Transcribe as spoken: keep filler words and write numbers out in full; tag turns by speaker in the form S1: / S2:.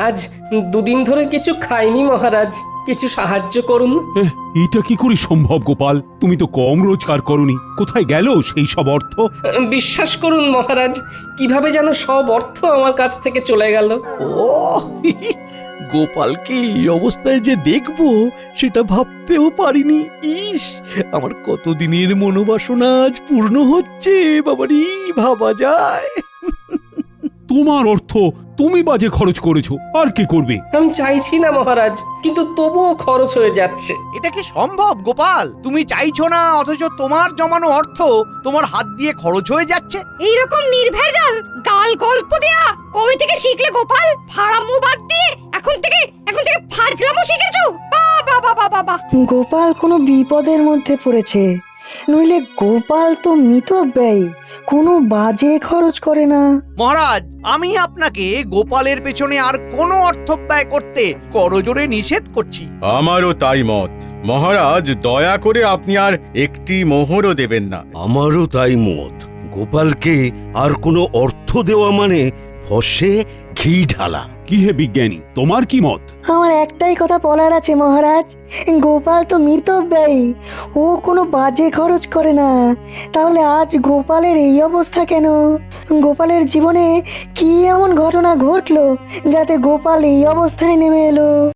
S1: আজ দুদিন ধরে কিছু খাইনি মহারাজ, কিছু সাহায্য করুন।
S2: এহ, এটা কি করে সম্ভব গোপাল? তুমি তো কম রোজগার করনি, কোথায় গেল সেই সব অর্থ?
S1: বিশ্বাস করুন মহারাজ, কিভাবে যেন সব অর্থ আমার কাছ থেকে চলে গেল।
S3: ও গোপালকে এই অবস্থায় যে দেখবো সেটা ভাবতেও পারিনি। ইস, আমার কতদিনের মনোবাসনা আজ পূর্ণ হচ্ছে। বাবারি, ভাবা যায়?
S2: তোমার অর্থ তুমি বাজে খরচ করেছো, আর কি করবে?
S1: আমি চাইছি না মহারাজ, কিন্তু তবুও খরচ হয়ে যাচ্ছে।
S4: এটা কি সম্ভব গোপাল? তুমি চাইছো না অথচ তোমার জমানো অর্থ তোমার হাত দিয়ে খরচ হয়ে যাচ্ছে।
S5: এইরকম নির্ভেজাল গাল গল্প দেয়া কবে থেকে শিখলে গোপাল? ফাড়ামো বাদ দিয়ে এখন থেকে এখন থেকে ফাজলামো শিখেছো? বাবা বাবা বাবা!
S6: গোপাল কোনো বিপদের মধ্যে পড়েছে, নইলে গোপাল তো মিতব্যয়ী, কোনো বাজে খরচ করে না।
S4: মহারাজ, আমি আপনাকে গোপালের পেছনে আর কোনো অর্থ ব্যয় করতে করজোরে নিষেধ করছি।
S7: আমারও তাই মত মহারাজ, দয়া করে আপনি আর একটি মোহরও দেবেন না।
S8: আমারও তাই মত। গোপালকে আর কোনো অর্থ দেওয়া মানে ফসে ঘি ঢালা।
S2: কি হে বিজ্ঞানী, তোমার কি মত?
S6: আমার একটাই কথা বলার আছে মহারাজ, গোপাল তো মিতব্যয়ী, ও কোনো বাজে খরচ করে না। তাহলে আজ গোপালের এই অবস্থা কেন? গোপালের জীবনে কি এমন ঘটনা ঘটলো যাতে গোপাল এই অবস্থায় নেমে এলো?